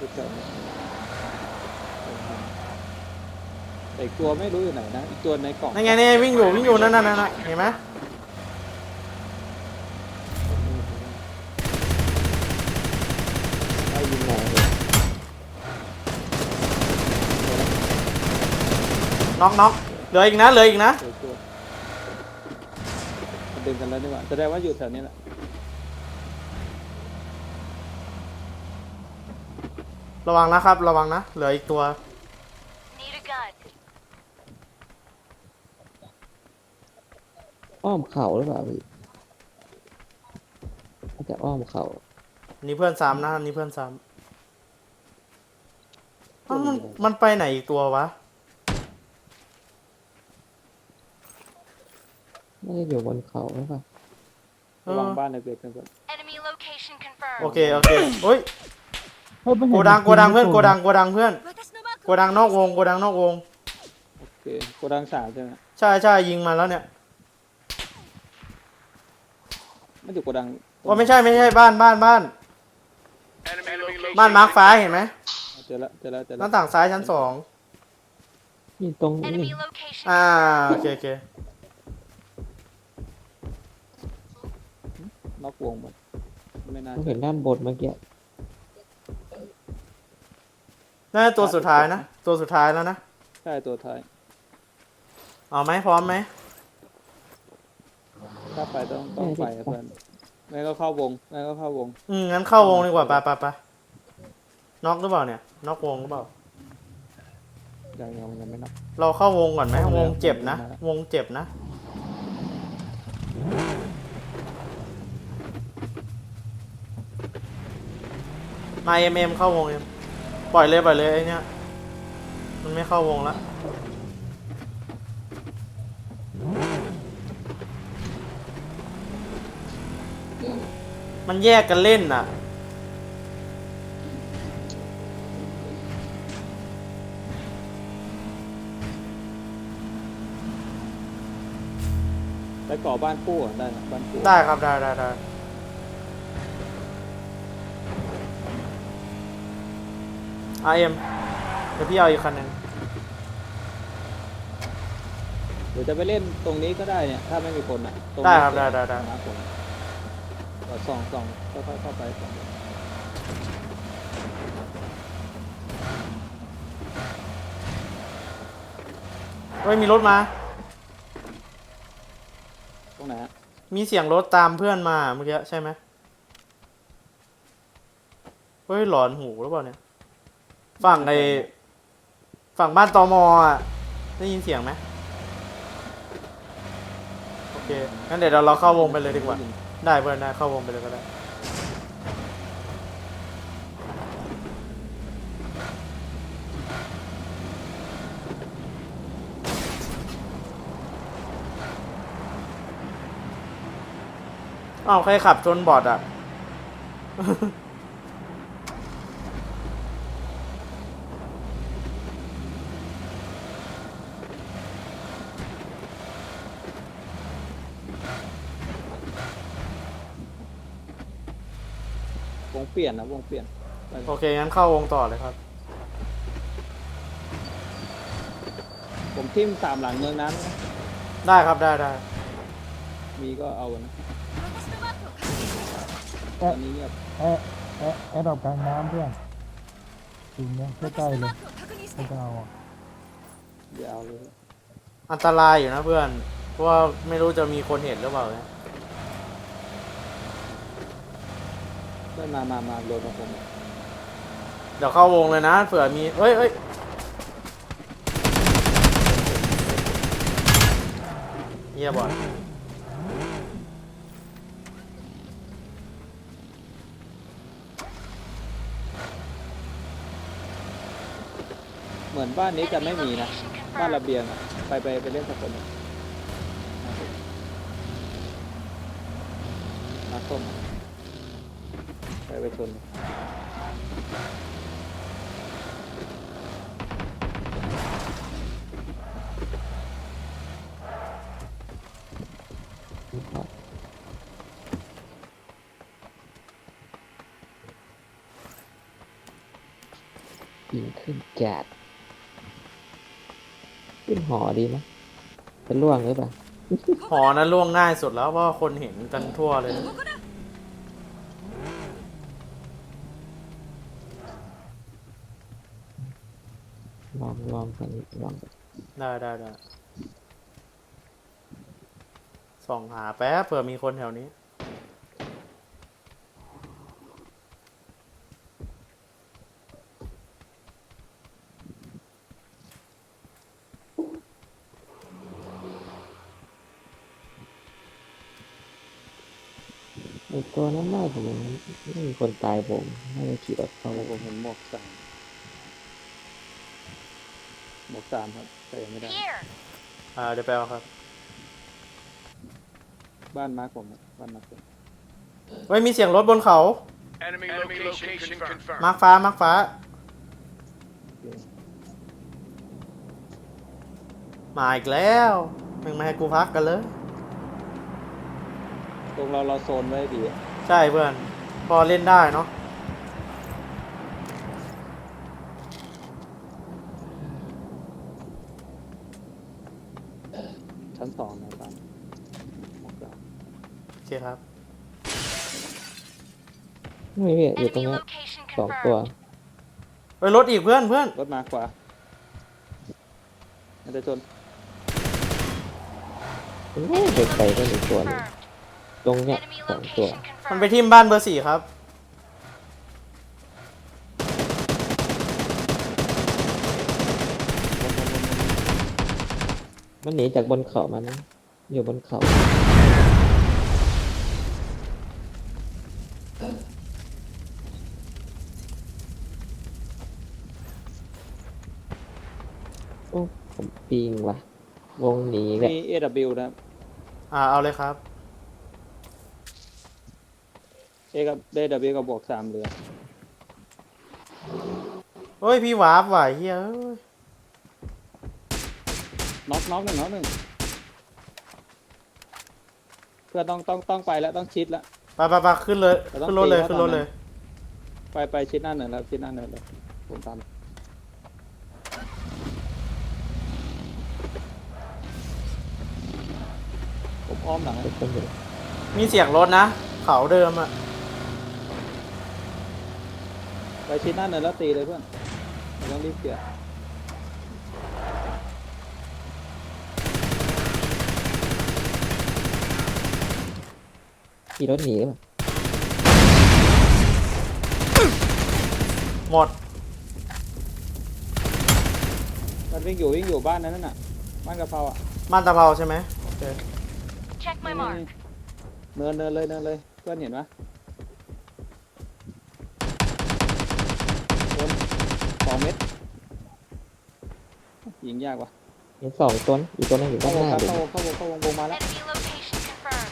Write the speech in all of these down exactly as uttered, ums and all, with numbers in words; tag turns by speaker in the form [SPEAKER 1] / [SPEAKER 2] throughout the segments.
[SPEAKER 1] อยู่แถวนี้แต่อีกตัวไม่รู้อยู่ไหนนะอีกตัวในกล่อง
[SPEAKER 2] นั่นไงนี่วิ่งอยู่วิ่งอยู่นั่นนั่นนั่นเห็นไหม
[SPEAKER 1] ไล่ยิงหน่อย
[SPEAKER 2] น็อกน็อกเหลืออีกนะเหลืออีกนะ
[SPEAKER 1] เจอตัวมันดึงกันแล้วนี่หว่าแสดงว่าอยู่แถวนี้แหละ
[SPEAKER 2] ระวังนะครับระวังนะเหลืออีกตัว
[SPEAKER 3] Need a gun.
[SPEAKER 4] อ้อมเข่าหรือเปล่าพี่น่าจะอ้อมเข่า
[SPEAKER 2] นี่เพื่อนซ้ำนะนี่เพื่อนซ้ำอ้าวมันมันไปไหนอีกตัววะ
[SPEAKER 4] น่าจะอยู่บนเขาหรือเปล่า
[SPEAKER 1] ระวังบ้านในเบรกกันก่อน
[SPEAKER 3] Enemy location confirmed.
[SPEAKER 2] โอเคโอเคโอ้ย
[SPEAKER 5] เฮ้ยไม่
[SPEAKER 2] โก
[SPEAKER 5] เห็น
[SPEAKER 2] ดังโกดังเพื่อนโกดัง
[SPEAKER 5] จริ
[SPEAKER 2] โกดังเพื่อนโกดังนอกวงโกดังนอกวง
[SPEAKER 1] โอเคโกดังสามใช่ไหม
[SPEAKER 2] ใช่ใช่ยิงมาแล้วเนี่ย
[SPEAKER 1] ไม่อยู่โกดัง
[SPEAKER 2] ว่าไม่ใช่ไม่ใช่บ้านบ้านบ้านบ้านมาร์คฟ้าเห็นไหม
[SPEAKER 1] เจอแล้วเจอแล้วเจอ
[SPEAKER 2] ห
[SPEAKER 1] แล้
[SPEAKER 2] น้าว ต่างซ้ายชั้นสอง
[SPEAKER 4] นี่ตรงนี้
[SPEAKER 3] Enemy location
[SPEAKER 2] อ่า
[SPEAKER 3] confirmed.
[SPEAKER 2] โอเคโอเคน
[SPEAKER 1] อกวงหมดไม่น่า
[SPEAKER 4] ต้องเห็นด้านบนเมื่อกี้
[SPEAKER 2] น่าจะตัวสุดท้ายนะตัวสุดท้ายแล้วนะ
[SPEAKER 1] ใช่ตัวท้าย
[SPEAKER 2] เอาไหมพร้อมไหม
[SPEAKER 1] ถ้าไปต้องต้องไปเพื่อนไม่ก็เข้าวงไม่ก็เข้าวง
[SPEAKER 2] อืมงั้นเข้าวงดีกว่าไปไปไปน็อกหรือเปล่าเนี่ยน็อกวงหรือเปล่า
[SPEAKER 1] ยังยังยังไม่นับ
[SPEAKER 2] เราเข้าวงก่อนไหม
[SPEAKER 1] เข้าแล้ว
[SPEAKER 2] วงเจ็บนะ
[SPEAKER 1] เข้าแล้ว
[SPEAKER 2] วงเจ็บนะมาเอ็มเอ็มเข้าวงเอ็มปล่อยเลยปล่อยเลยไอ้เนี่ยมันไม่เข้าวงแล้วมันแยกกันเล่นน่ะ
[SPEAKER 1] ไปก่อบ้านคู่ก่อนได้นะบ้านคู่
[SPEAKER 2] ได้ครับได้ได้ได้อาเอ็มเดี๋ยวพี่เอาอีกคันหนึ่ง
[SPEAKER 1] เดี๋ยวจะไปเล่นตรงนี้ก็ได้เนี่ยถ้าไม่มีคนอ่ะตงนี้
[SPEAKER 2] ได้ครับได้ได้ได้
[SPEAKER 1] นะผมก็ส่องส่องค่อยๆเข้าไปส่อง
[SPEAKER 2] เฮ้ยมีรถมา
[SPEAKER 1] ตรงไหนฮะ
[SPEAKER 2] มีเสียงรถตามเพื่อนมาเมื่อกี้ใช่ไหมเฮ้ยหลอนหูหรือเปล่าเนี่ยฝั่งไอฝั่งบ้านตมอ่ะได้ยินเสียงไหมโอเคงั้นเดี๋ยวเราเราเข้าวงไปเลยดีกว่าได้เพื่อนได้เข้าวงไปเลยก็ได้อ้าวใครขับชนบอดอ่ะ
[SPEAKER 1] วงเปลี่ยนนะวงเปลี่ยนไป
[SPEAKER 2] โอเคงั้นเข้าวงต่อเลยครับ
[SPEAKER 1] ผมทิ่มสามหลังเมืองนั้นนะ
[SPEAKER 2] ได้ครับได้ได้
[SPEAKER 1] มีก็เอานะต
[SPEAKER 5] เอ๊ะ
[SPEAKER 1] อนนี้เงียบ
[SPEAKER 5] เอ๊ะเอ๊ะแอดดอกกลางน้ำเพื่อนจริงเนี่ยใกล้ๆเลยไม่ต้องเอาอ่ะ
[SPEAKER 1] เดี๋ยวเอาเลย
[SPEAKER 2] อันตรายอยู่นะเพื่อนเพราะว่าไม่รู้จะมีคนเห็นหรือเปล่าเนี่ย
[SPEAKER 1] เพื่อนมามามาโดนมาผม
[SPEAKER 2] เดี๋ยวเข้าวงเลยนะเผื่อมีเอ้ยเอ้ยเงียบบ่อย
[SPEAKER 1] เหมือนบ้านนี้จะไม่มีนะบ้านระเบียงอะไปไปไปเล่นสักคนหนึ่งมาส้มไปไปชน
[SPEAKER 4] เยิงขึ้นจัดขึ้นหอดีไหมจะล่วงหรือเปล่า
[SPEAKER 2] หอนั้นล่วงง่ายสุดแล้วเพราะว่าคนเห็นกันทั่วเลยนะ
[SPEAKER 4] ลองลองกันลองกัน
[SPEAKER 2] ได้ได้ได้ส่องหาแป๊บเผื่อมีคนแถวนี้
[SPEAKER 4] ไอตัวนั้นน่าจะมันไม่มีคนตายผมน่าจะขี่รถเข้า
[SPEAKER 1] ผมผมเห็นหมวกสามหมวกสามครับแต่ยังไม่ได้
[SPEAKER 3] Here.
[SPEAKER 2] อ่าเดี๋ยวไปเอาครับ
[SPEAKER 1] บ้านมาร์คผมอะบ้านมาร์คผม
[SPEAKER 2] เฮ้ยมีเสียงรถบนเขา
[SPEAKER 6] Enemy location confirmed.
[SPEAKER 2] มาร์คฟ้ามาร์คฟ้า
[SPEAKER 1] โอเค
[SPEAKER 2] มาอีกแล้วมึงมาให้กูพักกันเลย
[SPEAKER 1] ตรงเราเราโซนไว้ดีอะ
[SPEAKER 2] ใช่เพื่อน พอเล่นได้เนาะ
[SPEAKER 1] ชั้นสองนะบ้านหมวกสาม
[SPEAKER 2] โอเคครับ
[SPEAKER 4] ไม่พี่อยู่ตรง
[SPEAKER 3] Enemy
[SPEAKER 4] เนี้ย
[SPEAKER 3] location
[SPEAKER 4] สองตัว
[SPEAKER 3] confirmed.
[SPEAKER 2] เฮ้ยรถอีกเพื่อนเพื่อน
[SPEAKER 1] รถมาขวามันจะชน
[SPEAKER 4] ไม่ไปไกลก็มีตัวหนึง
[SPEAKER 3] Confirmed.
[SPEAKER 4] ตรงเนี้ย
[SPEAKER 3] Enemy
[SPEAKER 4] สองตัว
[SPEAKER 3] location
[SPEAKER 2] มันไป
[SPEAKER 3] confirmed.
[SPEAKER 2] ทิ่มบ้านเบอร์สี่ครับ
[SPEAKER 4] มันหนีจากบนเขามานะอยู่บนเขาโอ้ผมปีงว่ะ วงหนีแบบ
[SPEAKER 1] มี เอ ดับเบิลยู นะครับ
[SPEAKER 2] อ่าเอาเลยครับ
[SPEAKER 1] เอกับ เอ ดับเบิลยู กับบวกสามเหลือ
[SPEAKER 2] เฮ้ยพี่วาร์ปว่ะเฮ้ยเอ้ย
[SPEAKER 1] น็อกน็อกหนึ่งน็อกหนึ่งเพื่อนต้องต้องต้องไปแล้วต้องชิดแล้ว
[SPEAKER 2] ไปไปไปขึ้นเลย
[SPEAKER 1] แต่ต้อง
[SPEAKER 2] ขึ้นรถเลย
[SPEAKER 1] ตีเขา
[SPEAKER 2] ขึ้นรถ
[SPEAKER 1] ตอนนั้น
[SPEAKER 2] เลย
[SPEAKER 1] ไปไปชิดหน้าเนินแล้วชิดหน้าเนินเลยผมตามผมอ้อมหลังให้
[SPEAKER 4] เป็นคนอยู่
[SPEAKER 2] มีเสียงรถนะ เขาเดิมอ่ะ
[SPEAKER 1] ไปชิดหน้าเนินแล้วตีเลยเพื่อนไม่ต้องรีบเกี่ย
[SPEAKER 4] ขี่รถหนีหรือเปล่า
[SPEAKER 2] หมด
[SPEAKER 1] มันวิ่งอยู่วิ่งอยู่บ้านนั้นน่ะบ้านกะเพราอ่ะ
[SPEAKER 2] บ้านตะเภาใช่ไหมโอเค
[SPEAKER 3] Check my
[SPEAKER 1] นี่
[SPEAKER 3] mark.
[SPEAKER 1] เนินเนินเลยเนินเลยเพื่อนเห็นไหมโดนสองเม็ดยิงยากว่ะ
[SPEAKER 4] เห็นสองตัวนะอีกตัวนึงอยู่
[SPEAKER 1] เข้า
[SPEAKER 4] ด้าน
[SPEAKER 1] ว
[SPEAKER 4] ห
[SPEAKER 1] ง
[SPEAKER 4] น้า
[SPEAKER 1] ครับ
[SPEAKER 4] เลย
[SPEAKER 1] เข้าวงเข้าวงเข้าวงวงมาแล้ว
[SPEAKER 3] Enemy location confirmed.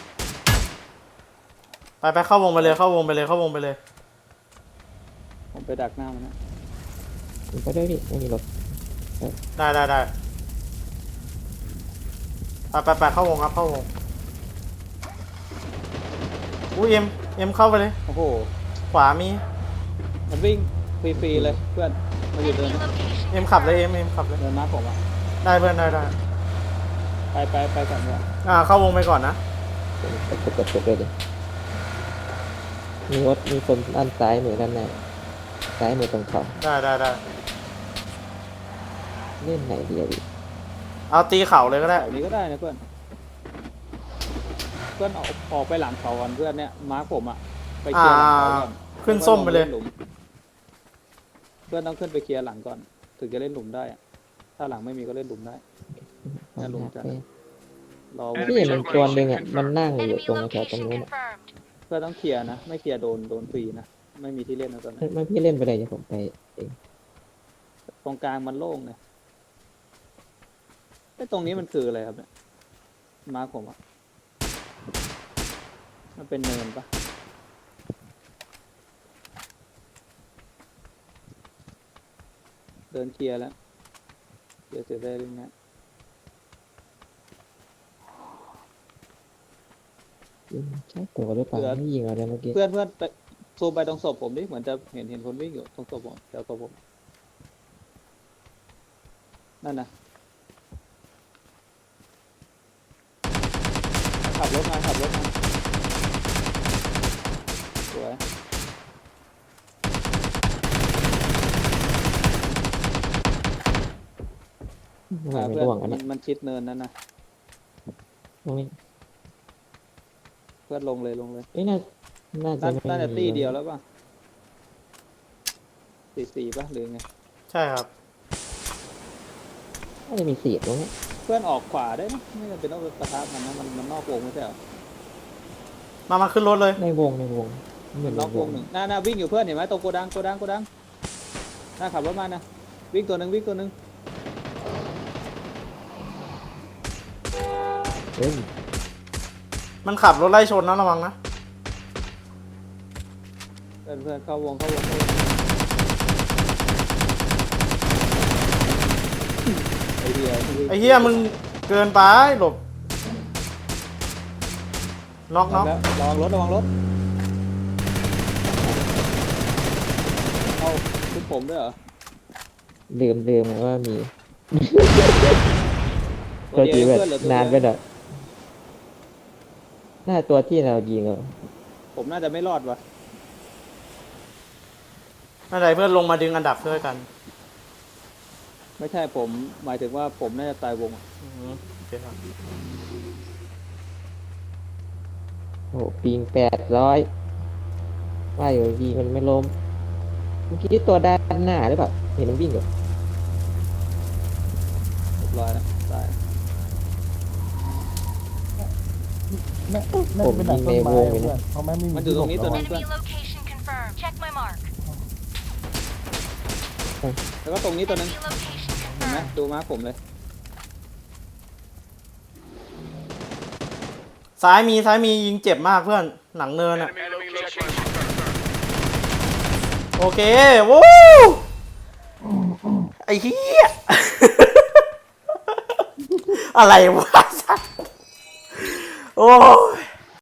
[SPEAKER 2] ไปไปเข้าวงไปเลยเข้าวงไปเลยเข้าวงไปเลย
[SPEAKER 1] ผมไปดักหน้ามันนะ
[SPEAKER 4] ผมไปด้วยดิไม่มีรถ
[SPEAKER 2] ได้ได้ได้ไปไปไปเข้าวงครับเข้าวงอุ้ยเอ็มเอ็มเข้าไปเลย
[SPEAKER 1] โอ้โห
[SPEAKER 2] ขวามี
[SPEAKER 1] มันวิ่งฟรีๆเลยเพื่อนมาอยู่เดิน
[SPEAKER 3] Enemy location
[SPEAKER 2] เอ็มขับเลย
[SPEAKER 3] confirmed.
[SPEAKER 2] เอ็มเอ็มขับเลย
[SPEAKER 1] เดินมาผมอ่ะ
[SPEAKER 2] ได้เพื่อนได้ได้
[SPEAKER 1] ไปไปไปก่อนเนี่ย
[SPEAKER 2] อ่าเข้าวงไปก่อนนะ
[SPEAKER 4] กดกดกดกดเลยดิมีรถมีคนด้านซ้ายมือด้านหน้าซ้ายมือตรงเขา
[SPEAKER 2] ได้ได้ได้
[SPEAKER 4] เล่นไหนดีอะดิ
[SPEAKER 2] เอาตีเข่าเลยก็ได้
[SPEAKER 1] แถวนี้ก็ได้นะเพื่อนเพื่อนออกออกไปหลังเขาก่อนเพื่อนเนี่ยมาร์คผมอ่ะไปเคลียร์หลังเขาก่อน
[SPEAKER 2] ขึ้นส้มไปเลย
[SPEAKER 1] แวก็งนหมเพื่อนต้องขึ้นไปเคลียร์หลังก่อน ถึงจะเล่นหลุมได้อะถ้าหลังไม่มีก็เล่นหลุมได้ น่าลงจัด รอ
[SPEAKER 4] พี่เห็นมันตัวหนึ่งอ่ะมันนั่งอยู่
[SPEAKER 3] Enemy
[SPEAKER 4] ตรงแถวตรง
[SPEAKER 3] location
[SPEAKER 4] นู้นอะ
[SPEAKER 3] confirmed.
[SPEAKER 1] เพื่อนต้องเคลียร์นะ ไม่เคลียร์โดนโดนฟรีนะ ไม่มีที่เล่นนะตอนนี้
[SPEAKER 4] ไม่พี่เล่นไปเลยเดี๋ยวผมไปเอง
[SPEAKER 1] ตรงกลางมันโล่งเนี่ยไอ้ตรงนี้มันคืออะไรครับเนี่ยมาร์คผมอ่ะมันเป็นเนินปะเดินเคลียร์แล้ว เดี๋ยวจะได้เรื่องนี้
[SPEAKER 4] ใช่ตัวหรือเปล่าไม่ยิงอะไรเมื่อกี้
[SPEAKER 1] เพื่อนเพื่อนไปซูมไปตรงศพผมดิเหมือนจะเห็นเห็นคนวิ่งอยู่ตรงศพผมแถวศพผมนั่นนะขับรถมาขับรถมาสวย
[SPEAKER 4] ทำไม
[SPEAKER 1] อ่า
[SPEAKER 4] ไม่
[SPEAKER 1] เพื่อน
[SPEAKER 4] ร่วงอัน
[SPEAKER 1] มั
[SPEAKER 4] เนี้
[SPEAKER 1] น
[SPEAKER 4] ย
[SPEAKER 1] มันชิดเนินนั่นนะ
[SPEAKER 4] ตรงนี้
[SPEAKER 1] เพื่อนลงเลยลงเลย
[SPEAKER 4] เอ้ยน่าน่าจะ
[SPEAKER 1] น่า
[SPEAKER 4] ไม่
[SPEAKER 1] น่าจะ
[SPEAKER 4] มี
[SPEAKER 1] ตีเดียวแล้วป่ะสี่สี่ป่ะหรือไง
[SPEAKER 2] ใช่ครับ
[SPEAKER 4] น่าจะมีเสียดตรงนี้
[SPEAKER 1] เพื่อนออกขวาได้นะไม่จำเป็นต้องไปปะทะมันนะมันมันนอกวงไม่ใช่เหรอ
[SPEAKER 2] มามาขึ้นรถเลย
[SPEAKER 4] ในวงในวงเหมือน
[SPEAKER 1] น
[SPEAKER 4] ใน
[SPEAKER 1] อก
[SPEAKER 4] ว
[SPEAKER 1] ว
[SPEAKER 4] ง
[SPEAKER 1] งหนึ่งหน้าหน้าวิ่งอยู่เพื่อนเห็นไหมตรงโกดังโกดังโกดังหน้าขับรถมานะวิ่งตัวหนึ่งวิ่งตัวหนึ่ง
[SPEAKER 4] เฮ้ย
[SPEAKER 2] มันขับรถไล่ชนนะระวังนะ
[SPEAKER 1] เพื่อนเพื่อนเข้าวงเข้าวงเข้าวงไอ้เหี้ย
[SPEAKER 2] ไอ้เฮียมึงเกินไปหลบน็อกน็อก
[SPEAKER 1] แล้วระวังรถระวังรถเอาทุกผมด้วยเหรอ
[SPEAKER 4] ลืมลืมว่ามีตัวจี
[SPEAKER 1] เดียว
[SPEAKER 4] แบบ
[SPEAKER 1] เพื่อนเหลือตัวน
[SPEAKER 4] านไป
[SPEAKER 1] เดียว
[SPEAKER 4] หน่อยน่าตัวที่เรายิงอ่ะ
[SPEAKER 1] ผมน่าจะไม่รอดว่ะ
[SPEAKER 2] ไม่เป็นไรเพื่อนลงมาดึงอันดับช่วยกัน
[SPEAKER 1] ไม่ใช่ผมหมายถึงว่าผมน่าจะตายวงอะ
[SPEAKER 2] อืมโอเคครับ
[SPEAKER 4] โอ้โหปิงแปดร้อยว่าอยู่ยิงมันไม่ล้มเมื่อกี้ตัวด้านหน้าหรือเปล่าเห็นมันวิ่งอยู่
[SPEAKER 1] เรียบร้อยแล้วตาย
[SPEAKER 5] น่าน่าจะเป็นหนังต้นไม้อะเพื่อนเพราะแม่ไม่มี
[SPEAKER 1] มันอยู่ตรงนี้ตัวหนึง
[SPEAKER 3] Enemy location confirmed. Check my mark.
[SPEAKER 1] แล้วก็ตรงนี้ตัวหนึง
[SPEAKER 3] Enemy location
[SPEAKER 1] เห็นไหม
[SPEAKER 3] confirmed.
[SPEAKER 1] ดูมาร์คผมเลย
[SPEAKER 2] ซ้ายมีซ้ายมียิงเจ็บมากเพื่อนหลังเนินอะ
[SPEAKER 6] Enemy location confirmed.
[SPEAKER 2] โอเควู้ไอ้เหี้ย อะไรวะ โอ้ย